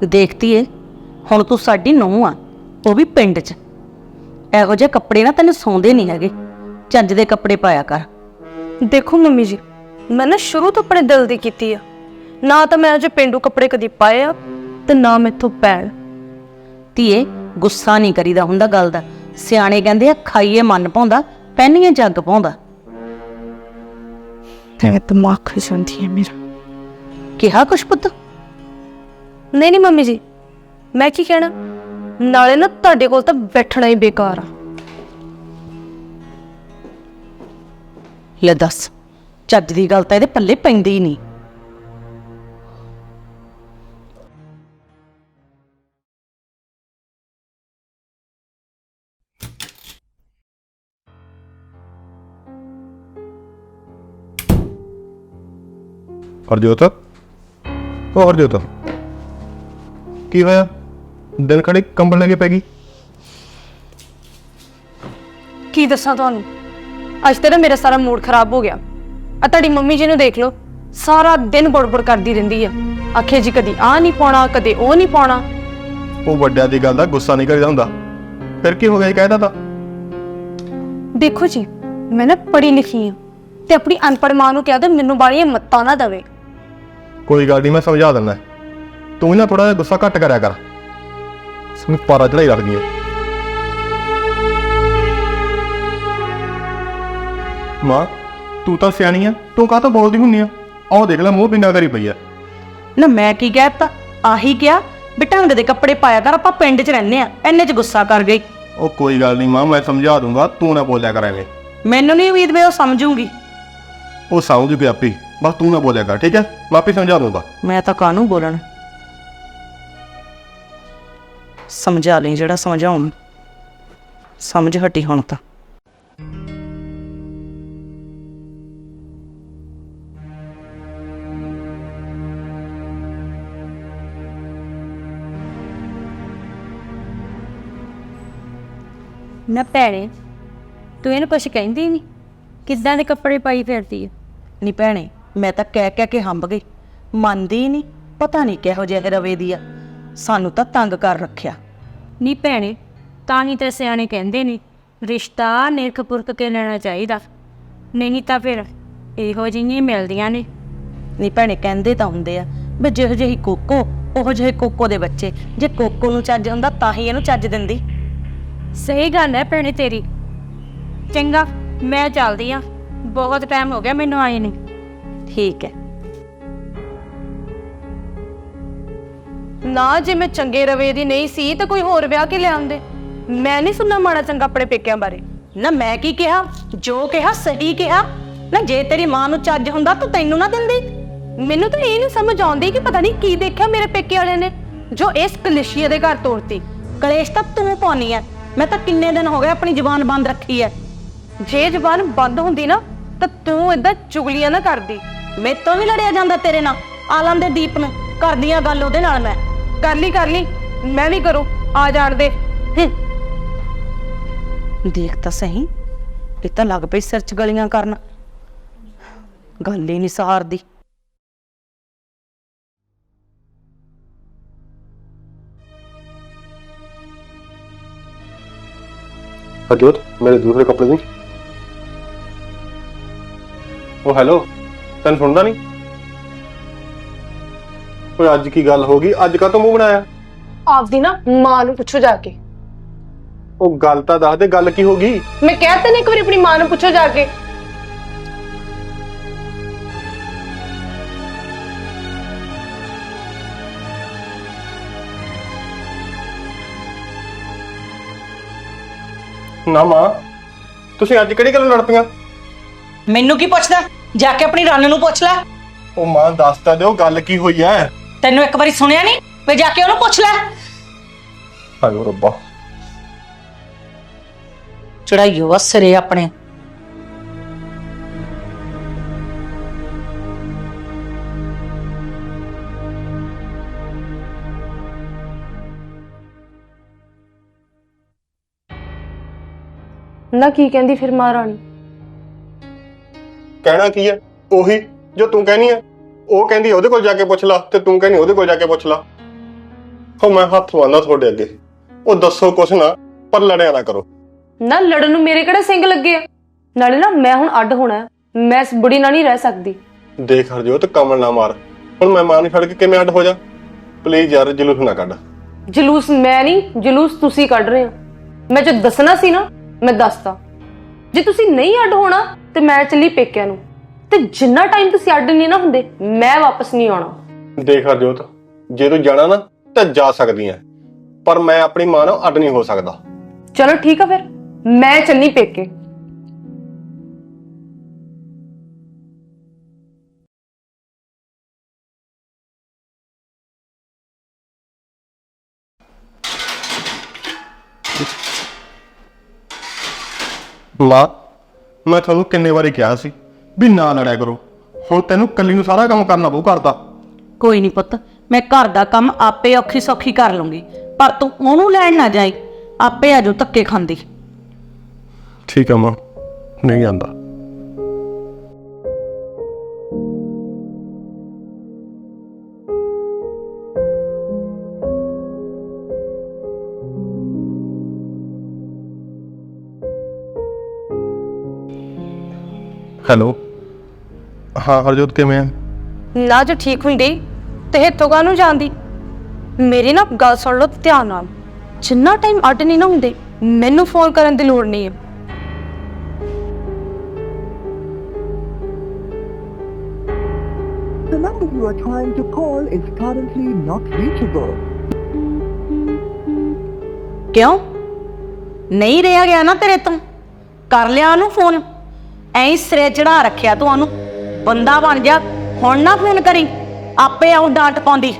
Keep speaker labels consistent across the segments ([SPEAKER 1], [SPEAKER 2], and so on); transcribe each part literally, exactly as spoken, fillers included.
[SPEAKER 1] ਦੇਖਤੀ ਏ ਹੁਣ ਤੂੰ ਸਾਡੀ ਨੂੰਹ ਆ, ਉਹ ਵੀ ਪਿੰਡ 'ਚ। ਇਹੋ ਜਿਹੇ ਕੱਪੜੇ ਨਾ ਤੈਨੂੰ ਸੌਂਦੇ ਨਹੀਂ ਹੈਗੇ, ਚੱਜ ਦੇ ਕੱਪੜੇ ਪਾਇਆ ਕਰ।
[SPEAKER 2] ਦੇਖੋ ਮੰਮੀ ਜੀ, ਮੈਂ ਨਾ ਸ਼ੁਰੂ ਤੋਂ ਆਪਣੇ ਦਿਲ ਦੀ ਕੀਤੀ ਆ, ਨਾ ਤਾਂ ਮੈਂ ਅਜੇ ਪੇਂਡੂ ਕੱਪੜੇ ਕਦੀ ਪਾਏ ਆ ਤੇ ਨਾ ਮੈਥੋਂ ਪੈਣ।
[SPEAKER 1] ਧੀਏ ਗੁੱਸਾ ਨਹੀਂ ਕਰੀਦਾ ਹੁੰਦਾ ਗੱਲ ਦਾ। ਸਿਆਣੇ ਕਹਿੰਦੇ ਆ ਖਾਈਏ ਮਨ ਪਾਉਂਦਾ, ਪਹਿਨੀਏ ਜੱਗ ਪਾਉਂਦਾ।
[SPEAKER 2] ਤੇ ਦਿਮਾਗ ਖਿ ਜਾਂਦੀ ਹੈ ਮੇਰਾ।
[SPEAKER 1] ਕਿਹਾ ਕੁਛ ਪੁੱਤ?
[SPEAKER 2] ਨਹੀਂ ਨਹੀਂ ਮੰਮੀ ਜੀ, ਮੈਂ ਕੀ ਕਹਿਣਾ, ਨਾਲੇ ਨਾ ਤੁਹਾਡੇ ਕੋਲ ਤਾਂ ਬੈਠਣਾ ਹੀ ਬੇਕਾਰ ਆ।
[SPEAKER 1] ਲੈ ਦੱਸ, ਚੱਜ ਦੀ ਗੱਲ ਤਾਂ ਇਹਦੇ ਪੱਲੇ ਪੈਂਦੀ ਹੀ ਨਹੀਂ।
[SPEAKER 3] ਹਰਜੋਤ, ਉਹ ਹਰਜੋਤ ਕੀ ਹੋਇਆ? ਦਿਨ ਖੜੇ ਕੰਬਲ ਲੈ ਕੇ ਪੈ ਗਈ।
[SPEAKER 2] ਕੀ ਦੱਸਾਂ ਤੁਹਾਨੂੰ, ਅੱਜ ਤੇ ਨਾ ਮੇਰਾ ਸਾਰਾ ਮੂਡ ਖਰਾਬ ਹੋ ਗਿਆ। ਆ ਤੁਹਾਡੀ ਮੰਮੀ ਜੀ ਨੂੰ ਦੇਖ ਲਓ, ਸਾਰਾ ਦਿਨ ਬੜਬੜ ਕਰਦੀ ਰਹਿੰਦੀ ਆ। ਆਖੇ ਜੀ ਕਦੀ ਆ ਨਹੀਂ ਪਾਉਣਾ, ਕਦੇ ਉਹ ਨਹੀਂ ਪਾਉਣਾ।
[SPEAKER 3] ਉਹ ਵੱਡਿਆਂ ਦੀ ਗੱਲ ਦਾ ਗੁੱਸਾ ਨਹੀਂ ਕਰੀਦਾ ਹੁੰਦਾ। ਫਿਰ ਕੀ ਹੋ ਗਿਆ? ਕਹਿਦਾ ਤਾਂ
[SPEAKER 2] ਦੇਖੋ ਜੀ, ਮੈਂ ਨਾ ਪੜ੍ਹੀ ਲਿਖੀ ਆ ਤੇ ਆਪਣੀ ਅਨਪੜ੍ਹ ਮਾਂ ਨੂੰ ਕਹਿ ਦੋ ਮੈਨੂੰ ਬਾਲੀਆਂ ਮੱਤਾਂ ਨਾ ਦੇਵੇ।
[SPEAKER 3] ਕੋਈ ਗੱਲ ਨਹੀਂ, ਮੈਂ ਸਮਝਾ ਦਿੰਦਾ। ਤੂੰ ਵੀ ਨਾ ਥੋੜਾ ਜਿਹਾ ਗੁੱਸਾ ਘੱਟ ਕਰਿਆ ਕਰ, ਸਮਝ ਪਾਰਾ ਚੜਾਈ ਰੱਖਦੀ ਹੈ। ਮਾਂ ਤੂੰ ਤਾਂ ਸਿਆਣੀ ਆ, ਤੂੰ ਕਾਹ ਤੋਂ ਬੋਲਦੀ ਹੁੰਨੀ ਆ? ਆਹ ਦੇਖ ਲੈ ਮੂੰਹ ਪਿੰਡਾ ਕਰੀ ਪਈ ਆ।
[SPEAKER 1] ਨਾ ਮੈਂ ਕੀ ਕਹਿਤਾ? ਆਹੀ ਕਿਹਾ ਵੀ ਢੰਗ ਦੇ ਕੱਪੜੇ ਪਾਇਆ ਕਰ, ਆਪਾਂ ਪਿੰਡ 'ਚ ਰਹਿੰਦੇ ਆ। ਇੰਨੇ 'ਚ ਗੁੱਸਾ ਕਰ ਗਈ।
[SPEAKER 3] ਉਹ ਕੋਈ ਗੱਲ ਨਹੀਂ ਮਾਂ, ਮੈਂ ਸਮਝਾ ਦੂੰਗਾ, ਤੂੰ ਨਾ ਬੋਲਿਆ ਕਰ ਐਵੇਂ।
[SPEAKER 1] ਮੈਨੂੰ ਨਹੀਂ ਉਮੀਦ ਵੀ ਉਹ ਸਮਝੂਗੀ।
[SPEAKER 3] ਉਹ ਸਮਝ ਗਿਆ ਆਪੀ, ਬਸ ਤੂੰ ਨਾ ਬੋਲਿਆ ਕਰ, ਠੀਕ ਹੈ? ਮੈਂ ਆਪੇ ਸਮਝਾ ਦੂੰਗਾ।
[SPEAKER 1] ਮੈਂ ਤਾਂ ਕਾਹਨੂੰ ਬੋਲਣ, ਸਮਝਾ ਲਈ ਜਿਹੜਾ ਸਮਝਾਉਣ। ਸਮਝ ਹਟੀ ਹੁਣ ਤਾਂ।
[SPEAKER 4] ਨਾ ਭੈਣੇ, ਤੂੰ ਇਹਨੂੰ ਕੁਛ ਕਹਿੰਦੀ ਨਹੀਂ? ਕਿੱਦਾਂ ਦੇ ਕੱਪੜੇ ਪਾਈ ਫਿਰਦੀ ਆ?
[SPEAKER 1] ਨਹੀਂ ਭੈਣੇ, ਮੈਂ ਤਾਂ ਕਹਿ ਕਹਿ ਕੇ ਹੰਬ ਗਈ, ਮੰਨਦੀ ਹੀ ਨਹੀਂ। ਪਤਾ ਨਹੀਂ ਕਿਹੋ ਜਿਹੇ ਰਵੇ ਦੀ ਆ, ਸਾਨੂੰ ਤਾਂ ਤੰਗ ਕਰ ਰੱਖਿਆ।
[SPEAKER 4] ਨਹੀਂ ਭੈਣੇ, ਤਾਂ ਹੀ ਤੇ ਸਿਆਣੇ ਕਹਿੰਦੇ ਨੇ ਰਿਸ਼ਤਾ ਨਿਰਖ ਪੁਰਖ ਕੇ ਲੈਣਾ ਚਾਹੀਦਾ, ਨਹੀਂ ਤਾਂ ਫਿਰ ਇਹੋ ਜਿਹੀਆਂ ਮਿਲਦੀਆਂ ਨੇ।
[SPEAKER 1] ਨਹੀਂ ਭੈਣੇ, ਕਹਿੰਦੇ ਤਾਂ ਹੁੰਦੇ ਆ ਵੀ ਜਿਹੋ ਜਿਹੀ ਕੋਕੋ ਉਹੋ ਜਿਹੇ ਕੋਕੋ ਦੇ ਬੱਚੇ। ਜੇ ਕੋਕੋ ਨੂੰ ਚੱਜ ਹੁੰਦਾ ਤਾਂ ਹੀ ਇਹਨੂੰ ਚੱਜ ਦਿੰਦੀ।
[SPEAKER 4] ਸਹੀ ਗੱਲ ਹੈ ਭੈਣੇ ਤੇਰੀ। ਚੰਗਾ, ਮੈਂ ਚੱਲਦੀ ਆ, ਬਹੁਤ ਟਾਈਮ ਹੋ ਗਿਆ ਮੈਨੂੰ ਆਏ ਨੂੰ।
[SPEAKER 1] ਠੀਕ ਹੈ।
[SPEAKER 2] ਨਾ ਜੇ ਮੈਂ ਚੰਗੇ ਰਵੇ ਦੀ ਨਹੀਂ ਸੀ ਤਾਂ ਕੋਈ ਹੋਰ ਵਿਆਹ ਕੇ ਲਿਆਉਂਦੇ। ਮੈਂ ਨਹੀਂ ਸੁਣਨਾ ਮਾੜਾ ਚੰਗਾ ਆਪਣੇ ਪੇਕਿਆਂ ਬਾਰੇ।
[SPEAKER 1] ਨਾ ਮੈਂ ਕੀ ਕਿਹਾ? ਜੋ ਕਿਹਾ ਸਹੀ ਕਿਹਾ। ਨਾ ਜੇ ਤੇਰੀ ਮਾਂ ਨੂੰ ਚੱਜ ਹੁੰਦਾ ਤਾਂ ਤੈਨੂੰ ਨਾ ਦਿੰਦੀ।
[SPEAKER 2] ਮੈਨੂੰ ਤਾਂ ਇਹ ਨਹੀਂ ਸਮਝ ਆਉਂਦੀ ਕਿ ਪਤਾ ਨਹੀਂ ਕੀ ਦੇਖਿਆ ਮੇਰੇ ਪੇਕੇ ਵਾਲਿਆਂ ਨੇ ਜੋ ਇਸ ਕਲੇਸ਼ੀਆ ਦੇ ਘਰ ਤੋਰਤੀ।
[SPEAKER 1] ਕਲੇਸ਼ ਤਾਂ ਤੂੰ ਪਾਉਣੀ ਐ। ਮੈਂ ਤਾਂ ਕਿੰਨੇ ਦਿਨ ਹੋ ਗਏ ਆਪਣੀ ਜ਼ੁਬਾਨ ਬੰਦ ਰੱਖੀ ਐ।
[SPEAKER 2] ਜੇ ਜ਼ੁਬਾਨ ਬੰਦ ਹੁੰਦੀ ਨਾ ਤਾਂ ਤੂੰ ਏਦਾਂ ਚੁਗਲੀਆਂ ਨਾ ਕਰਦੀ।
[SPEAKER 1] ਮੇਰੇ ਤੋਂ ਵੀ ਲੜਿਆ ਜਾਂਦਾ ਤੇਰੇ ਨਾਲ। ਆਲਮ ਦੇ ਦੀਪ ਨੂੰ ਕਰਦੀਆਂ ਗੱਲ ਉਹਦੇ ਨਾਲ। ਮੈਂ
[SPEAKER 2] ਕਰ ਲਈ ਕਰ ਲਈ, ਮੈਂ ਵੀ ਕਰੂੰ, ਆ ਜਾਣ ਦੇ।
[SPEAKER 1] ਦੇਖ ਤਾਂ ਸਹੀ, ਇਹ ਤਾਂ ਲੱਗ ਪਈ ਸਿਰ 'ਚ ਗਲੀਆਂ ਕਰਨ। ਗੱਲ ਹੀ ਨਹੀਂ ਸਹਾਰਦੀ।
[SPEAKER 3] ਹਰਜੋਤ, ਮੇਰੇ ਦੂਸਰੇ ਕੱਪੜੇ ਦੀ। ਉਹ ਹੈਲੋ, ਤੈਨੂੰ ਸੁਣਦਾ ਨਹੀਂ? ਓਏ ਅੱਜ ਕੀ ਗੱਲ ਹੋ ਗਈ? ਅੱਜ ਕਾਹਤੋਂ ਮੂੰਹ ਬਣਾਇਆ?
[SPEAKER 2] ਆਪਦੀ ਨਾ ਮਾਂ ਨੂੰ ਪੁੱਛੋ ਜਾ ਕੇ।
[SPEAKER 3] ਉਹ ਗੱਲ ਤਾਂ ਦੱਸ ਦੇ, ਗੱਲ ਕੀ ਹੋ ਗਈ?
[SPEAKER 2] ਮੈਂ ਕਹਿ ਤਾ ਨਹੀਂ ਇੱਕ ਵਾਰੀ ਆਪਣੀ ਮਾਂ ਨੂੰ ਪੁੱਛੋ ਜਾ ਕੇ।
[SPEAKER 3] ਨਾ ਮਾਂ, ਤੁਸੀਂ ਅੱਜ ਕਿਹੜੀ ਗੱਲ ਲੜ ਪਈਆਂ?
[SPEAKER 1] ਮੈਨੂੰ ਕੀ ਪੁੱਛਦਾ? ਜਾ ਕੇ ਆਪਣੀ ਰੰਨ ਨੂੰ ਪੁੱਛ ਲੈ।
[SPEAKER 3] ਉਹ ਮਾਂ ਦੱਸ ਤਾਂ ਦਿਓ, ਗੱਲ ਕੀ ਹੋਈ ਐ?
[SPEAKER 1] ਤੈਨੂੰ ਇੱਕ ਵਾਰੀ ਸੁਣਿਆ ਨਹੀਂ? ਵੇ ਜਾ ਕੇ ਉਹਨੂੰ ਪੁੱਛ ਲੈ।
[SPEAKER 3] ਹਾਏ ਰੱਬਾ,
[SPEAKER 1] ਚੜਾਈਓ ਵਾ ਸਿਰੇ ਆਪਣੇ।
[SPEAKER 2] ਨਾ ਕੀ ਕਹਿੰਦੀ ਫਿਰ ਮਹਾਰਾਣੀ?
[SPEAKER 3] ਕਹਿਣਾ ਕੀ ਹੈ? ਉਹੀ ਜੋ ਤੂੰ ਕਹਿਨੀ ਹੈ। ਉਹ ਕਹਿੰਦੀ ਉਹਦੇ ਕੋਲ ਜਾ ਕੇ ਪੁੱਛ ਲਾ, ਤੇ ਤੂੰ ਕਹਿੰਦੀ ਉਹਦੇ ਕੋਲ ਜਾ ਕੇ ਪੁੱਛ ਲਾ। ਹੋ ਮੈਂ ਹੱਥ ਬੰਨ੍ਹਦਾ ਤੁਹਾਡੇ ਅੱਗੇ। ਉਹ ਦੱਸੋ ਕੁਛ ਨਾ, ਪਰ ਲੜਿਆ ਨਾ ਕਰੋ।
[SPEAKER 2] ਨਾ ਲੜਨ ਨੂੰ ਮੇਰੇ ਕਿਹੜੇ ਸਿੰਘ ਲੱਗੇ ਆ? ਨਾਲੇ ਨਾ ਮੈਂ ਹੁਣ ਅੱਡ ਹੋਣਾ ਹੈ। ਮੈਂ ਇਸ ਬੁੜੀ ਨਾਲ ਨਹੀਂ ਰਹਿ ਸਕਦੀ।
[SPEAKER 3] ਦੇਖ ਹਰਜੋਤ, ਕਮਲ ਨਾ ਮਾਰ। ਹੁਣ ਮੈਂ ਮਾਂ ਨੂੰ ਛੱਡ ਕੇ ਕਿਵੇਂ ਅੱਡ ਹੋ ਜਾ? ਪਲੀਜ਼ ਯਾਰ, ਜਲੂਸ ਨਾ ਕੱਢ।
[SPEAKER 2] ਜਲੂਸ ਮੈਂ ਨਹੀਂ, ਜਲੂਸ ਤੁਸੀਂ ਕੱਢ ਰਹੇ ਹੋ। ਮੈਂ ਜੋ ਦੱਸਣਾ ਸੀ ਨਾ, ਮੈਂ ਦੱਸਤਾ। ਜੇ ਤੁਸੀਂ ਨਹੀਂ ਅੱਡ ਹੋਣਾ ਤੇ ਮੈਂ ਚੱਲੀ ਪੇਕਿਆਂ ਨੂੰ, ਤੇ ਜਿੰਨਾ ਟਾਈਮ ਤੁਸੀਂ ਅੱਡ ਨਹੀਂ ਨਾ ਹੁੰਦੇ, ਮੈਂ ਵਾਪਸ ਨਹੀਂ ਆਉਣਾ।
[SPEAKER 3] ਦੇਖ ਹਰਜੋਤ, ਜੇ ਤੂੰ ਜਾਣਾ ਨਾ ਤਾਂ ਜਾ ਸਕਦੀ ਐ, ਪਰ ਮੈਂ ਆਪਣੀ ਮਾਂ ਨਾਲ ਅੱਡ ਨਹੀਂ ਹੋ ਸਕਦਾ।
[SPEAKER 2] ਚਲੋ ਠੀਕ ਆ, ਫਿਰ ਮੈਂ ਚੱਲੀ ਪੇਕੇ।
[SPEAKER 3] ਮਾਂ, ਮੈਂ ਤੁਹਾਨੂੰ ਕਿੰਨੇ ਵਾਰੀ ਕਿਹਾ ਸੀ ਵੀ ਨਾ ਲੜਿਆ ਕਰੋ। ਹੁਣ ਤੈਨੂੰ ਕੱਲੀ ਨੂੰ ਸਾਰਾ ਕੰਮ ਕਰਨਾ ਪਊ ਕਰਦਾ।
[SPEAKER 1] ਕੋਈ ਨਹੀਂ ਪੁੱਤ, ਮੈਂ ਘਰ ਦਾ ਕੰਮ ਆਪੇ ਔਖੀ ਸੌਖੀ ਕਰ ਲੂੰਗੀ, ਪਰ ਤੂੰ ਉਹਨੂੰ ਲੈਣ ਨਾ ਜਾਈ। ਆਪੇ ਆਜੋ ਧੱਕੇ ਖਾਂਦੀ।
[SPEAKER 3] ਠੀਕ ਆ ਮਾਂ, ਨਹੀਂ ਜਾਂਦਾ। ਹੈਲੋ, ਹਾਂ ਹਰਜੋਤ, ਕਿਵੇਂ ਆ?
[SPEAKER 2] ਨਾ ਜੋ ਠੀਕ ਹੁੰਦੀ ਤੇ ਇੱਥੋਂ ਕਾਹਨੂੰ ਜਾਂਦੀ? ਮੇਰੀ ਨਾ ਗੱਲ ਸੁਣ ਲਓ ਧਿਆਨ ਨਾਲ। ਜਿੰਨਾ ਟਾਈਮ ਅੱਡ ਨਹੀਂ ਨਾ ਹੁੰਦੇ, ਮੈਨੂੰ ਫੋਨ ਕਰਨ ਦੀ ਲੋੜ ਨਹੀਂ ਹੈ।
[SPEAKER 5] The number you are trying to call is currently not reachable.
[SPEAKER 1] ਕਿਉਂ ਨਹੀਂ ਰਿਹਾ ਗਿਆ ਨਾ ਤੇਰੇ ਤੋਂ? ਕਰ ਲਿਆ ਉਹਨੂੰ ਫੋਨ। ਐਂ ਸਿਰੇ ਚੜਾ ਰੱਖਿਆ ਤੂੰ ਉਹਨੂੰ। ਬੰਦਾ ਬਣ ਜਾ, ਹੁਣ ਨਾ ਫੋਨ ਕਰੀ, ਆਪੇ ਆਉਂ ਡਾਂਟ ਪਾਉਂਦੀ।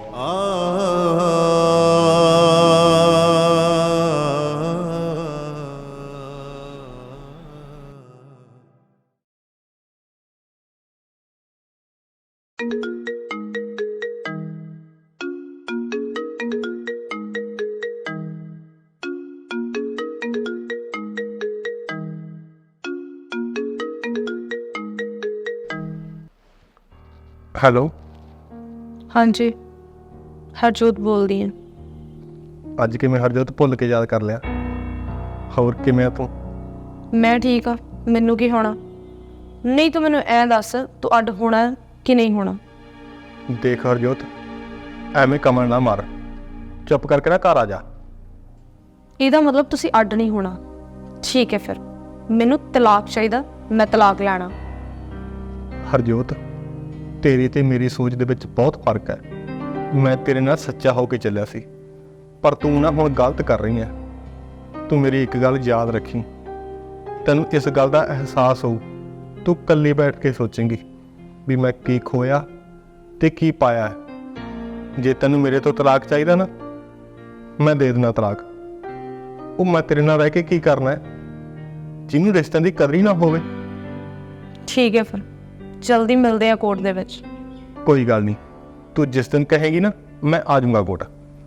[SPEAKER 3] ਹੈਲੋ,
[SPEAKER 2] ਹਾਂਜੀ, ਹਰਜੋਤ ਬੋਲਦੀ ਹਾਂ।
[SPEAKER 3] ਅੱਜ ਕਿਵੇਂ ਹਰਜੋਤ ਭੁੱਲ ਕੇ ਯਾਦ ਕਰ ਲਿਆ? ਹੋਰ ਕਿਵੇਂ ਆ ਤੂੰ?
[SPEAKER 2] ਮੈਂ ਠੀਕ ਆ, ਮੈਨੂੰ ਕੀ ਹੋਣਾ? ਨਹੀਂ ਤੂੰ ਮੈਨੂੰ ਐਂ ਦੱਸ, ਤੂੰ ਅੱਡ ਹੋਣਾ ਕਿ ਨਹੀਂ ਹੋਣਾ?
[SPEAKER 3] ਦੇਖ ਹਰਜੋਤ, ਐਵੇਂ ਕਮਲ ਨਾ ਮਾਰ। ਚੁੱਪ ਕਰਕੇ ਨਾ ਘਰ ਆ ਜਾ।
[SPEAKER 2] ਇਹਦਾ ਮਤਲਬ ਤੁਸੀਂ ਅੱਡ ਨਹੀਂ ਹੋਣਾ। ਠੀਕ ਹੈ, ਫਿਰ ਮੈਨੂੰ ਤਲਾਕ ਚਾਹੀਦਾ, ਮੈਂ ਤਲਾਕ ਲੈਣਾ।
[SPEAKER 3] ਹਰਜੋਤ, ਤੇਰੀ ਤੇ ਮੇਰੀ ਸੋਚ ਦੇ ਵਿੱਚ ਬਹੁਤ ਫਰਕ ਹੈ। ਮੈਂ ਤੇਰੇ ਨਾਲ ਸੱਚਾ ਹੋ ਕੇ ਚੱਲਿਆ ਸੀ, ਪਰ ਤੂੰ ਨਾ ਹੁਣ ਗਲਤ ਕਰ ਰਹੀ ਹੈ। ਤੂੰ ਮੇਰੀ ਇੱਕ ਗੱਲ ਯਾਦ ਰੱਖੀ, ਤੈਨੂੰ ਇਸ ਗੱਲ ਦਾ ਅਹਿਸਾਸ ਹੋਊ, ਤੂੰ ਇਕੱਲੀ ਬੈਠ ਕੇ ਸੋਚੇਂਗੀ ਵੀ ਮੈਂ ਕੀ ਖੋਇਆ ਤੇ ਕੀ ਪਾਇਆ ਹੈ। ਜੇ ਤੈਨੂੰ ਮੇਰੇ ਤੋਂ ਤਲਾਕ ਚਾਹੀਦਾ ਨਾ, ਮੈਂ ਦੇ ਦੇਣਾ ਤਲਾਕ। ਉਹ ਮੈਂ ਤੇਰੇ ਨਾਲ ਰਹਿ ਕੇ ਕੀ ਕਰਨਾ ਹੈ, ਜਿਹਨੂੰ ਰਿਸ਼ਤਿਆਂ ਦੀ ਕਦਰ ਹੀ ਨਾ ਹੋਵੇ।
[SPEAKER 2] ਠੀਕ ਹੈ, ਫਿਰ ਜਲਦੀ ਮਿਲਦੇ ਆ ਕੋਰਟ ਦੇ ਵਿੱਚ।
[SPEAKER 3] ਕੋਈ ਗੱਲ ਨਹੀਂ, ਤੂੰ ਜਿਸ ਦਿਨ ਕਹੇਗੀ ਨਾ, ਮੈਂ ਆ ਜਾਊਂਗਾ ਕੋਰਟ।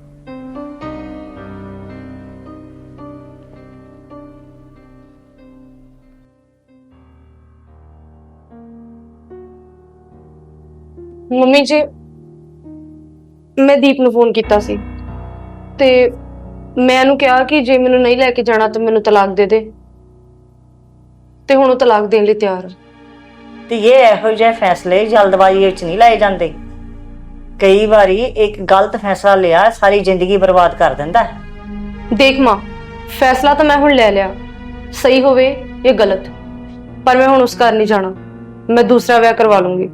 [SPEAKER 2] ਮੰਮੀ ਜੀ, ਮੈਂ ਦੀਪ ਨੂੰ ਫੋਨ ਕੀਤਾ ਸੀ ਤੇ ਮੈਂ ਉਹਨੂੰ ਕਿਹਾ ਕਿ ਜੇ ਮੈਨੂੰ ਨਹੀਂ ਲੈ ਕੇ ਜਾਣਾ ਤਾਂ ਮੈਨੂੰ ਤਲਾਕ ਦੇ ਦੇ, ਤੇ ਹੁਣ ਉਹ ਤਲਾਕ ਦੇਣ ਲਈ ਤਿਆਰ ਹੈ।
[SPEAKER 6] ਤੇ ਇਹ ਇਹੋ ਜਿਹੇ ਫੈਸਲੇ ਜਲਦਬਾਜ਼ੀ ਵਿੱਚ ਨਹੀਂ ਲਏ ਜਾਂਦੇ। ਕਈ ਵਾਰੀ ਇੱਕ ਗਲਤ ਫੈਸਲਾ ਲਿਆ ਸਾਰੀ ਜ਼ਿੰਦਗੀ ਬਰਬਾਦ ਕਰ ਦਿੰਦਾ ਹੈ।
[SPEAKER 2] ਦੇਖ ਮਾਂ, ਫੈਸਲਾ ਤਾਂ ਮੈਂ ਹੁਣ ਲੈ ਲਿਆ, ਸਹੀ ਹੋਵੇ ਜਾਂ ਗਲਤ, ਪਰ ਮੈਂ ਹੁਣ ਉਸ ਘਰ ਨਹੀਂ ਜਾਣਾ। ਮੈਂ ਦੂਸਰਾ ਵਿਆਹ ਕਰਵਾ ਲੂੰਗੀ।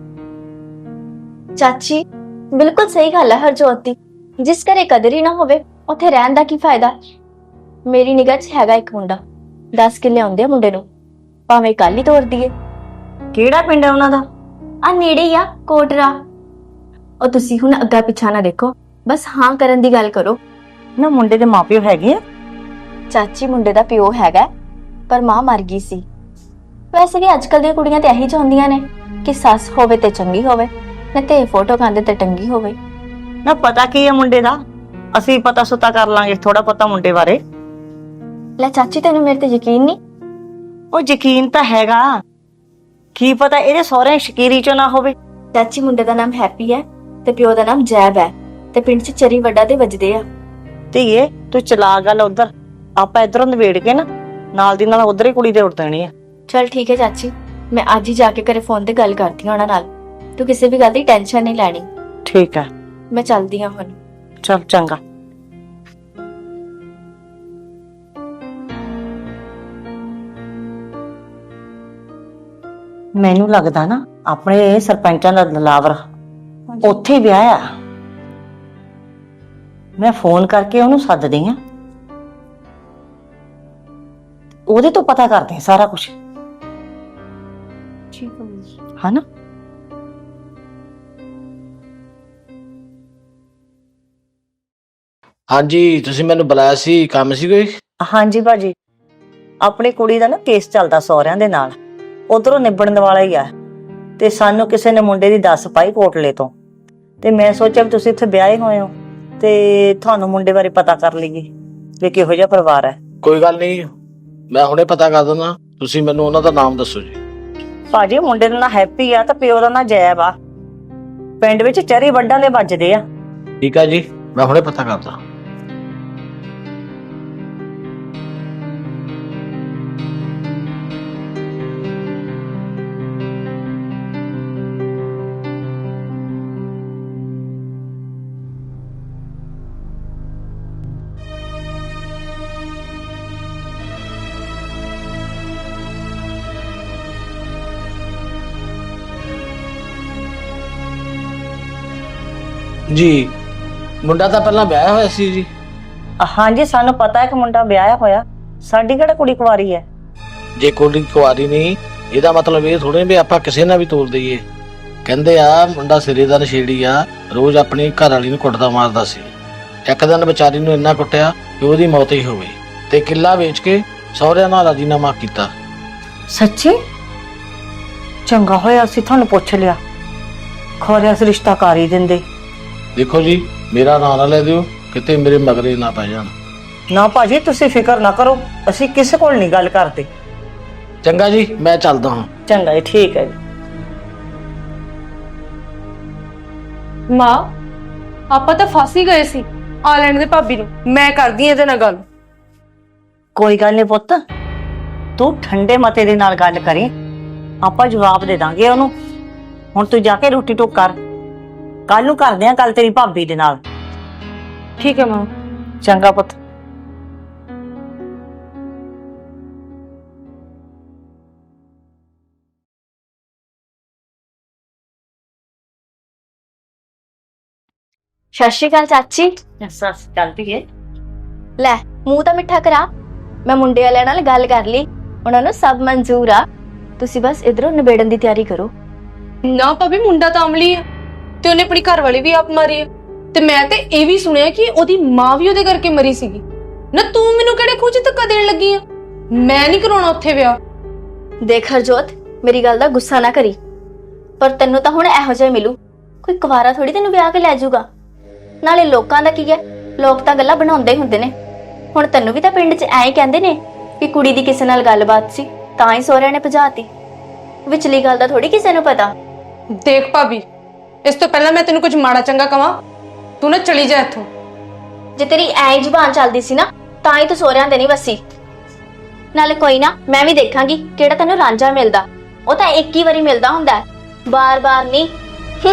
[SPEAKER 7] ਚਾਚੀ ਬਿਲਕੁਲ ਸਹੀ ਗੱਲ ਹੈ ਹਰਜੋਤ ਦੀ। ਜਿਸ ਘਰੇ ਕਦਰ ਹੀ ਨਾ ਹੋਵੇ, ਉੱਥੇ ਰਹਿਣ ਦਾ ਕੀ ਫਾਇਦਾ? ਮੇਰੀ ਨਿਗਾਹ 'ਚ ਹੈਗਾ ਇੱਕ ਮੁੰਡਾ, ਦਸ ਕਿੱਲੇ ਆਉਂਦੇ ਆ ਮੁੰਡੇ ਨੂੰ, ਭਾਵੇਂ ਕੱਲ ਹੀ ਤੋਰ ਦੀਏ।
[SPEAKER 6] ਕਿਹੜਾ ਪਿੰਡ ਹੈ ਉਹਨਾਂ ਦਾ?
[SPEAKER 7] ਆ ਨੇੜੇ ਹੀ ਆ, ਕੋਟਰਾ। ਉਹ ਤੁਸੀਂ ਹੁਣ ਅੱਗਾ ਪਿੱਛਾ ਨਾ ਦੇਖੋ, ਬਸ ਹਾਂ ਕਰਨ ਦੀ ਗੱਲ ਕਰੋ।
[SPEAKER 6] ਨਾ ਮੁੰਡੇ ਦੇ ਮਾਪਿਓ ਹੈਗੇ ਆ?
[SPEAKER 7] ਚਾਚੀ ਮੁੰਡੇ ਦਾ ਪਿਓ ਹੈਗਾ, ਪਰ ਮਾਂ ਮਰ ਗਈ ਸੀ। ਵੈਸੇ ਵੀ ਅੱਜ ਕੱਲ ਦੀਆਂ ਕੁੜੀਆਂ ਤੇ ਇਹੀ ਚਾਹੁੰਦੀਆਂ ਨੇ ਕਿ ਸੱਸ ਹੋਵੇ ਤੇ ਚੰਗੀ ਹੋਵੇ, ਨਾ ਤੇ ਫੋਟੋ ਖਾਂਦੇ ਤੇ ਟੰਗੀ ਹੋਵੇ।
[SPEAKER 6] ਨਾ ਪਤਾ ਕੀ ਹੈ ਮੁੰਡੇ ਦਾ? ਅਸੀਂ ਪਤਾ ਸੁਤਾ ਕਰ ਲਾਂਗੇ ਥੋੜਾ ਪਤਾ ਮੁੰਡੇ ਬਾਰੇ।
[SPEAKER 7] ਲੈ ਚਾਚੀ, ਤੈਨੂੰ ਮੇਰੇ ਤੇ ਯਕੀਨ ਨਹੀਂ?
[SPEAKER 6] ਉਹ ਯਕੀਨ ਤਾਂ ਹੈਗਾ, ਕੀ ਪਤਾ ਇਹਦੇ ਸਹੁਰੇ ਸ਼ਕੀਰੀ ਚੋਂ ਨਾ ਹੋਵੇ।
[SPEAKER 7] ਚਾਚੀ ਮੁੰਡੇ ਦਾ ਨਾਮ ਹੈਪੀ ਹੈ ਤੇ ਪਿਓ ਦਾ ਨਾਮ ਜੈਬ ਹੈ, ਤੇ ਤੇ ਪਿੰਡ 'ਚ ਚਰੀ ਵੱਡਾ ਦੇ ਵੱਜਦੇ ਆ।
[SPEAKER 6] ਧੀਏ ਤੂੰ ਚਲਾ ਗੱਲ ਉਧਰ, ਆਪਾਂ ਇਧਰੋਂ ਨਿਬੇੜ ਕੇ ਨਾ ਨਾਲ ਦੀ ਨਾਲ ਉਧਰ ਹੀ ਕੁੜੀ ਤੇ ਉੱਡ ਦੇਣੀ ਆ।
[SPEAKER 7] ਚਲ ਠੀਕ ਹੈ ਚਾਚੀ, ਮੈਂ ਅੱਜ ਹੀ ਜਾ ਕੇ ਘਰੇ ਫੋਨ ਤੇ ਗੱਲ ਕਰਦੀ ਹਾਂ ਉਹਨਾਂ ਨਾਲ। ਤੂੰ ਕਿਸੇ ਵੀ ਗੱਲ ਦੀ ਟੈਨਸ਼ਨ ਨਹੀਂ ਲੈਣੀ।
[SPEAKER 6] ਠੀਕ ਆ,
[SPEAKER 7] ਮੈਂ ਚੱਲਦੀ ਹਾਂ ਹੁਣ।
[SPEAKER 6] ਚਲ ਚੰਗਾ। ਮੈਨੂੰ ਲੱਗਦਾ ਨਾ ਆਪਣੇ ਸਰਪੰਚਾਂ ਦਾ ਦਲਾਵਰ ਉੱਥੇ ਹੀ ਵਿਆਹ ਆ। ਮੈਂ ਫੋਨ ਕਰਕੇ ਉਹਨੂੰ ਸੱਦਦੀ ਆ, ਉਹਦੇ ਤੋਂ ਪਤਾ ਕਰਦੇ ਆ ਸਾਰਾ ਕੁਝ,
[SPEAKER 7] ਠੀਕ ਹੈ।
[SPEAKER 6] ਹਨਾ?
[SPEAKER 8] ਹਾਂਜੀ, ਤੁਸੀਂ ਮੈਨੂੰ ਬੁਲਾਇਆ ਸੀ, ਕੰਮ ਸੀ ਕੋਈ?
[SPEAKER 6] ਹਾਂਜੀ ਭਾਜੀ, ਆਪਣੀ ਕੁੜੀ ਦਾ ਨਾ ਕੇਸ ਚੱਲਦਾ ਸਹੁਰਿਆਂ ਦੇ ਨਾਲ, ਉਧਰੋਂ ਨਿਬੜਨ ਵਾਲਾ ਹੀ ਆ ਤੇ ਸਾਨੂੰ ਕਿਸੇ ਨੇ ਮੁੰਡੇ ਦੀ ਦੱਸ ਪਾਈ ਕੋਟਲੇ ਤੋਂ, ਤੇ ਮੈਂ ਸੋਚਿਆ ਵੀ ਤੁਸੀਂ ਇੱਥੇ ਵਿਆਹੇ ਹੋਏ ਹੋ ਤੇ ਤੁਹਾਨੂੰ ਮੁੰਡੇ ਬਾਰੇ ਪਤਾ ਕਰ ਲਈਏ ਵੀ ਕਿਹੋ ਜਿਹਾ ਪਰਿਵਾਰ ਹੈ।
[SPEAKER 8] ਕੋਈ ਗੱਲ ਨਹੀਂ, ਮੈਂ ਹੁਣੇ ਪਤਾ ਕਰ ਦਿੰਦਾ। ਤੁਸੀਂ ਮੈਨੂੰ ਉਹਨਾਂ ਦਾ ਨਾਮ ਦੱਸੋ ਜੀ।
[SPEAKER 6] ਭਾਜੀ ਮੁੰਡੇ ਦਾ ਨਾਂ ਹੈਪੀ ਆ ਤੇ ਪਿਓ ਦਾ ਨਾਂ ਜੈਬ ਆ। ਪਿੰਡ ਵਿੱਚ ਚਰੀ ਵੱਡਾਂ ਦੇ ਵੱਜਦੇ ਆ।
[SPEAKER 8] ਠੀਕ ਆ ਜੀ, ਮੈਂ ਹੁਣੇ ਪਤਾ ਕਰਦਾ। ਜੀ, ਮੁੰਡਾ ਤਾਂ ਪਹਿਲਾਂ ਵਿਆਹਿਆ ਹੋਇਆ ਸੀ ਜੀ।
[SPEAKER 6] ਹਾਂਜੀ ਸਾਨੂੰ ਪਤਾ ਹੈ ਕਿ ਮੁੰਡਾ ਵਿਆਹਿਆ ਹੋਇਆ, ਸਾਡੀ ਕਿਹੜਾ ਕੁੜੀ ਕੁਆਰੀ ਹੈ।
[SPEAKER 8] ਜੇ ਕੁੜੀ ਕੁਆਰੀ ਨਹੀਂ, ਇਹਦਾ ਮਤਲਬ ਇਹ ਥੋੜੇ ਵੀ ਆਪਾਂ ਕਿਸੇ ਨਾਲ ਵੀ ਤੋਲ ਦਈਏ। ਕਹਿੰਦੇ ਆ ਮੁੰਡਾ ਸਿਰੇ ਦਾ ਨਸ਼ੇੜੀ ਆ, ਰੋਜ਼ ਆਪਣੀ ਘਰ ਵਾਲੀ ਨੂੰ ਕੁੱਟਦਾ ਮਾਰਦਾ ਸੀ। ਇੱਕ ਦਿਨ ਵਿਚਾਰੀ ਨੂੰ ਇੰਨਾ ਕੁੱਟਿਆ ਕਿ ਉਹਦੀ ਮੌਤ ਹੀ ਹੋ ਗਈ ਤੇ ਕਿੱਲਾ ਵੇਚ ਕੇ ਸਹੁਰਿਆਂ ਨਾਲ ਰਾਜੀਨਾਮਾ ਕੀਤਾ।
[SPEAKER 6] ਸੱਚੀ? ਚੰਗਾ ਹੋਇਆ ਅਸੀਂ ਤੁਹਾਨੂੰ ਪੁੱਛ ਲਿਆ, ਖੋਰਿਆ ਅਸੀਂ ਰਿਸ਼ਤਾ ਕਰ ਹੀ ਦਿੰਦੇ।
[SPEAKER 8] ਦੇਖੋ ਜੀ, ਮੇਰਾ ਨਾਂ ਨਾ ਲੈ ਦਿਓ, ਕਿਤੇ ਮੇਰੇ ਮਗਰੇ ਨਾ ਪੈ ਜਾਣ।
[SPEAKER 6] ਨਾ ਭਾਜੀ ਤੁਸੀਂ ਫਿਕਰ ਨਾ ਕਰੋ, ਅਸੀਂ ਕਿਸੇ ਕੋਲ ਨਹੀਂ ਗੱਲ ਕਰਦੇ।
[SPEAKER 8] ਚੰਗਾ ਜੀ, ਮੈਂ ਚੱਲਦਾ ਹਾਂ।
[SPEAKER 6] ਚੰਗਾ ਜੀ, ਠੀਕ ਹੈ ਜੀ।
[SPEAKER 2] ਮਾਂ, ਆਪਾਂ ਤਾਂ ਫਸ ਹੀ ਗਏ ਸੀ। ਆ ਲੈਣ ਦੇ ਭਾਬੀ ਨੂੰ, ਮੈਂ ਕਰਦੀ ਇਹਦੇ ਨਾਲ ਗੱਲ।
[SPEAKER 6] ਕੋਈ ਗੱਲ ਨਹੀਂ ਪੁੱਤ, ਤੂੰ ਠੰਡੇ ਮਤੇ ਦੇ ਨਾਲ ਗੱਲ ਕਰੀ, ਆਪਾਂ ਜਵਾਬ ਦੇ ਦਾਂਗੇ ਉਹਨੂੰ। ਹੁਣ ਤੂੰ ਜਾ ਕੇ ਰੋਟੀ ਟੁੱਕ ਕਰ, ਕੱਲ ਨੂੰ ਕਰਦੇ ਆਂ ਗੱਲ ਤੇਰੀ ਭਾਬੀ ਦੇ ਨਾਲ।
[SPEAKER 2] ਠੀਕ ਹੈ ਮਾਂ।
[SPEAKER 6] ਚੰਗਾ ਪੁੱਤ।
[SPEAKER 7] ਸਤਿ ਸ਼੍ਰੀ ਅਕਾਲ ਚਾਚੀ।
[SPEAKER 6] ਸੱਸ ਚੱਲਦੀ ਏ।
[SPEAKER 7] ਲੈ ਮੂੰਹ ਤਾਂ ਮਿੱਠਾ ਕਰਾ। ਮੈਂ ਮੁੰਡੇ ਵਾਲਿਆਂ ਨਾਲ ਗੱਲ ਕਰ ਲਈ, ਉਹਨਾਂ ਨੂੰ ਸਭ ਮਨਜ਼ੂਰ ਆ। ਤੁਸੀਂ ਬਸ ਇਧਰੋਂ ਨਿਬੇੜਨ ਦੀ ਤਿਆਰੀ ਕਰੋ।
[SPEAKER 2] ਨਾ ਭਾਬੀ, ਮੁੰਡਾ ਤਾਂ ਅਮਲੀ ਆ ਤੇ ਉਹਨੇ ਆਪਣੀ ਘਰ ਵਾਲੀ ਵੀ ਆਪ ਮਾਰੀ ਆ, ਤੇ ਮੈਂ ਤੇ ਇਹ ਵੀ ਸੁਣਿਆ ਕਿ ਉਹਦੀ ਮਾਂ ਵੀ ਉਹਦੇ ਕਰਕੇ ਮਰੀ ਸੀਗੀ। ਨਾ ਤੂੰ ਮੈਨੂੰ ਕਿਹੜੇ ਖੂਹ 'ਚ ਧੱਕਾ ਦੇਣ ਲੱਗੀ ਆ? ਮੈਂ ਨਹੀਂ ਕਰਾਉਣਾ ਉੱਥੇ ਵਿਆਹ।
[SPEAKER 7] ਦੇਖ ਹਰਜੋਤ, ਮੇਰੀ ਗੱਲ ਦਾ ਗੁੱਸਾ ਨਾ ਕਰੀ, ਪਰ ਤੈਨੂੰ ਤਾਂ ਹੁਣ ਇਹੋ ਜਿਹਾ ਮਿਲੂ। ਕੋਈ ਕੁਵਾਰਾ ਥੋੜੀ ਤੈਨੂੰ ਵਿਆਹ ਕੇ ਲੈ ਜਾਊਗਾ। ਨਾਲੇ ਲੋਕਾਂ ਦਾ ਕੀ ਹੈ, ਲੋਕ ਤਾਂ ਗੱਲਾਂ ਬਣਾਉਂਦੇ ਹੀ ਹੁੰਦੇ ਨੇ। ਹੁਣ ਤੈਨੂੰ ਵੀ ਤਾਂ ਪਿੰਡ 'ਚ ਐਂ ਕਹਿੰਦੇ ਨੇ ਕਿ ਕੁੜੀ ਦੀ ਕਿਸੇ ਨਾਲ ਗੱਲਬਾਤ ਸੀ ਤਾਂ ਹੀ ਸਹੁਰਿਆਂ ਨੇ ਭਜਾਤੀ। ਵਿਚਲੀ ਗੱਲ ਦਾ ਥੋੜੀ ਕਿਸੇ ਨੂੰ ਪਤਾ।
[SPEAKER 2] ਦੇਖ ਭਾਬੀ, ਇਸ ਤੋਂ ਪਹਿਲਾਂ ਮੈਂ ਤੈਨੂੰ ਕੁਝ ਮਾੜਾ ਚੰਗਾ ਕਵਾਂ, ਤੂੰ ਨਾ ਚਲੀ ਜਾ ਇੱਥੋਂ।
[SPEAKER 7] ਜੇ ਤੇਰੀ ਐਂ ਹੀ ਜ਼ੁਬਾਨ ਚੱਲਦੀ ਸੀ ਨਾ ਤਾਂ ਹੀ ਤੂੰ ਸਹੁਰਿਆਂ ਦੇ ਨਹੀਂ ਵਸੀ। ਨਾਲੇ ਕੋਈ ਨਾ, ਮੈਂ ਵੀ ਦੇਖਾਂਗੀ ਕਿਹੜਾ ਤੈਨੂੰ ਰਾਂਝਾ ਮਿਲਦਾ। ਉਹ ਤਾਂ ਇੱਕ ਹੀ ਵਾਰੀ ਮਿਲਦਾ ਹੁੰਦਾ, ਬਾਰ-ਬਾਰ ਨਹੀਂ। ਹੂੰ।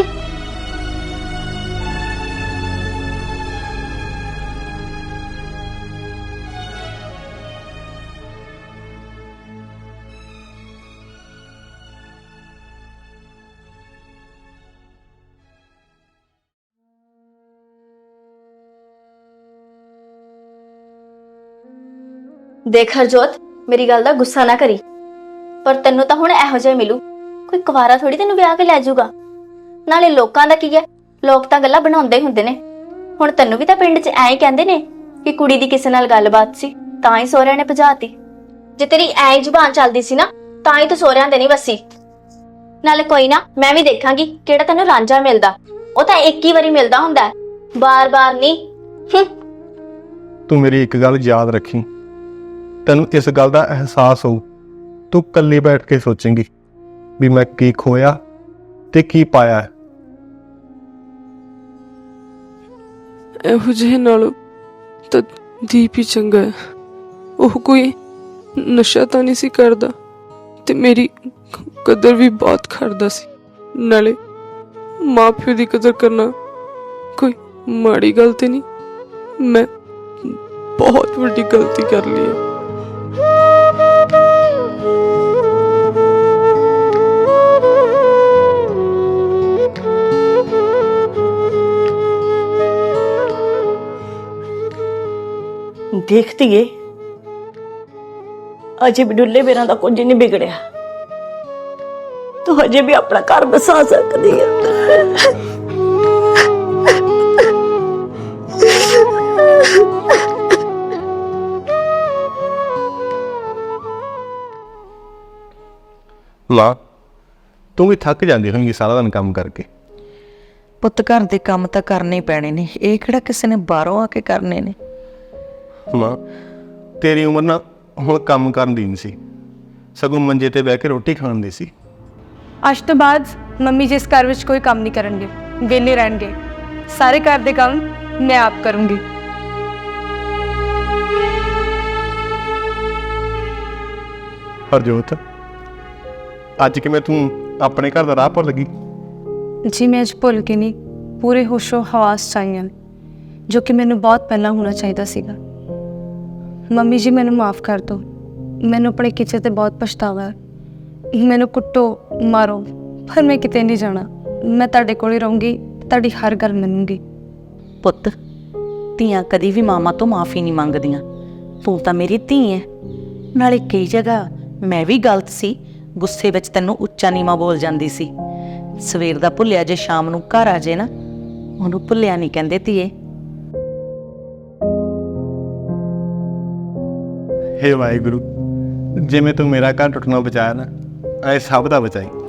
[SPEAKER 7] ਦੇਖ ਹਰਜੋਤ, ਮੇਰੀ ਗੱਲ ਦਾ ਗੁੱਸਾ ਨਾ ਕਰੀ, ਪਰ ਤੈਨੂੰ ਤਾਂ ਹੁਣ ਇਹੋ ਜਿਹਾ ਮਿਲੂ। ਕੋਈ ਕੁਵਾਰਾ ਥੋੜੀ ਤੈਨੂੰ ਵਿਆਹ ਕੇ ਲੈ ਜਾਊਗਾ। ਨਾਲੇ ਲੋਕਾਂ ਦਾ ਕੀ ਹੈ, ਲੋਕ ਤਾਂ ਗੱਲਾਂ ਬਣਾਉਂਦੇ ਹੁੰਦੇ ਨੇ। ਹੁਣ ਤੈਨੂੰ ਵੀ ਤਾਂ ਪਿੰਡ 'ਚ ਐਂ ਹੀ ਕਹਿੰਦੇ ਨੇ ਕਿ ਕੁੜੀ ਦੀ ਕਿਸੇ ਨਾਲ ਗੱਲਬਾਤ ਸੀ ਤਾਂ ਹੀ ਸਹੁਰਿਆਂ ਨੇ ਭਜਾਤੀ। ਜੇ ਤੇਰੀ ਐਂ ਹੀ ਜ਼ੁਬਾਨ ਚੱਲਦੀ ਸੀ ਨਾ ਤਾਂ ਹੀ ਤੂੰ ਸਹੁਰਿਆਂ ਦੇ ਨਹੀਂ ਵਸੀ। ਨਾਲੇ ਕੋਈ ਨਾ, ਮੈਂ ਵੀ ਦੇਖਾਂਗੀ ਕਿਹੜਾ ਤੈਨੂੰ ਰਾਂਝਾ ਮਿਲਦਾ। ਉਹ ਤਾਂ ਇੱਕ ਹੀ ਵਾਰੀ ਮਿਲਦਾ ਹੁੰਦਾ, ਬਾਰ-ਬਾਰ ਨਹੀਂ। ਹੂੰ।
[SPEAKER 3] ਤੂੰ ਮੇਰੀ ਇੱਕ ਗੱਲ ਯਾਦ ਰੱਖੀ, ਤੈਨੂੰ ਇਸ ਗੱਲ ਦਾ ਅਹਿਸਾਸ ਹੋਊ, ਤੂੰ ਇਕੱਲੀ ਬੈਠ ਕੇ ਸੋਚੇਂਗੀ ਵੀ ਮੈਂ ਕੀ ਖੋਇਆ ਤੇ ਕੀ ਪਾਇਆ ਹੈ।
[SPEAKER 9] ਇਹੋ ਜਿਹੇ ਨਾਲੋਂ ਤਾਂ ਦੀਪ ਹੀ ਚੰਗਾ ਹੈ। ਉਹ ਕੋਈ ਨਸ਼ਾ ਤਾਂ ਨਹੀਂ ਸੀ ਕਰਦਾ ਤੇ ਮੇਰੀ ਕਦਰ ਵੀ ਬਹੁਤ ਕਰਦਾ ਸੀ। ਨਾਲੇ ਮਾਂ ਪਿਓ ਦੀ ਕਦਰ ਕਰਨਾ ਕੋਈ ਮਾੜੀ ਗੱਲ ਤੇ ਨਹੀਂ। ਮੈਂ ਬਹੁਤ ਵੱਡੀ ਗਲਤੀ ਕਰ ਲਈ ਹੈ।
[SPEAKER 6] ਦੇਖਦੀ ਏ ਅਜੇ ਵੀ ਡੁੱਲੇ ਬੇਰਾਂ ਦਾ ਕੁਝ ਨਹੀਂ ਵਿਗੜਿਆ। ਤੂੰ ਅਜੇ ਵੀ ਆਪਣਾ ਘਰ ਬਸਾ ਸਕਦੀ ਹੈ।
[SPEAKER 3] ਮਾਂ, ਤੂੰ ਵੀ ਥੱਕ ਜਾਂਦੀ ਹੋਵੇਂਗੀ ਸਾਰਾ ਦਿਨ ਕੰਮ ਕਰਕੇ।
[SPEAKER 1] ਪੁੱਤ ਘਰ ਦੇ ਕੰਮ ਤਾਂ ਕਰਨੇ ਹੀ ਪੈਣੇ ਨੇ, ਇਹ ਕਿਹੜਾ ਕਿਸੇ ਨੇ ਬਾਹਰੋਂ ਆ ਕੇ ਕਰਨੇ ਨੇ।
[SPEAKER 3] ਮਾਂ, ਤੇਰੀ ਉਮਰ ਨਾ ਹੁਣ ਕੰਮ ਕਰਨ ਦੀ ਨਹੀਂ ਸੀ, ਸਗੋਂ ਮੰਜੇ ਤੇ ਬਹਿ ਕੇ ਰੋਟੀ ਖਾਣ ਦੀ ਸੀ।
[SPEAKER 2] ਅੱਜ ਤੋਂ ਬਾਅਦ ਮੰਮੀ ਜੀ ਇਸ ਘਰ ਵਿੱਚ ਕੋਈ ਕੰਮ ਨਹੀਂ ਕਰਨਗੇ, ਵਿਹਲੇ ਰਹਿਣਗੇ। ਸਾਰੇ ਘਰ ਦੇ ਕੰਮ ਮੈਂ ਆਪ ਕਰੂੰਗੀ।
[SPEAKER 3] ਹਰਜੋਤ, ਅੱਜ ਕਿਵੇਂ ਤੂੰ ਆਪਣੇ ਘਰ ਦਾ ਰਾਹ ਭੁੱਲ ਗਈ?
[SPEAKER 2] ਜੀ ਮੈਂ ਅੱਜ ਭੁੱਲ ਕੇ ਨਹੀਂ, ਪੂਰੇ ਹੋਸ਼ੋ ਹਵਾਸ ਚਾਹੀਆਂ ਜੋ ਕਿ ਮੈਨੂੰ ਬਹੁਤ ਪਹਿਲਾਂ ਹੋਣਾ ਚਾਹੀਦਾ ਸੀਗਾ। ਮੰਮੀ ਜੀ ਮੈਨੂੰ ਮਾਫ ਕਰ ਦਿਓ। ਮੈਨੂੰ ਆਪਣੇ ਕਿਚੇ ਤੇ ਬਹੁਤ ਪਛਤਾਵਾ ਹੈ। ਮੈਨੂੰ ਕੁੱਟੋ ਮਾਰੋ, ਪਰ ਮੈਂ ਕਿਤੇ ਨਹੀਂ ਜਾਣਾ। ਮੈਂ ਤੁਹਾਡੇ ਕੋਲ ਹੀ ਰਹੂੰਗੀ, ਤੁਹਾਡੀ ਹਰ ਗੱਲ ਮੰਨੂੰਗੀ।
[SPEAKER 1] ਪੁੱਤ, ਧੀਆਂ ਕਦੀ ਵੀ ਮਾਮਾ ਤੋਂ ਮਾਫੀ ਨਹੀਂ ਮੰਗਦੀਆਂ। ਤੂੰ ਤਾਂ ਮੇਰੀ ਧੀ ਹੈ। ਨਾਲੇ ਕਈ ਜਗ੍ਹਾ ਮੈਂ ਵੀ ਗਲਤ ਸੀ, ਗੁੱਸੇ ਵਿੱਚ ਤੈਨੂੰ ਉੱਚਾ ਨੀਵਾਂ ਬੋਲ ਜਾਂਦੀ ਸੀ। ਸਵੇਰ ਦਾ ਭੁੱਲਿਆ ਜੇ ਸ਼ਾਮ ਨੂੰ ਘਰ ਆ ਜੇ ਨਾ, ਉਹਨੂੰ ਭੁੱਲਿਆ ਨਹੀਂ ਕਹਿੰਦੇ ਧੀਏ।
[SPEAKER 3] ਹੇ ਵਾਹਿਗੁਰੂ, ਜਿਵੇਂ ਤੂੰ ਮੇਰਾ ਘਰ ਟੁੱਟਣੋਂ ਬਚਾਇਆ ਨਾ, ਐ ਸਭ ਦਾ ਬਚਾਈ।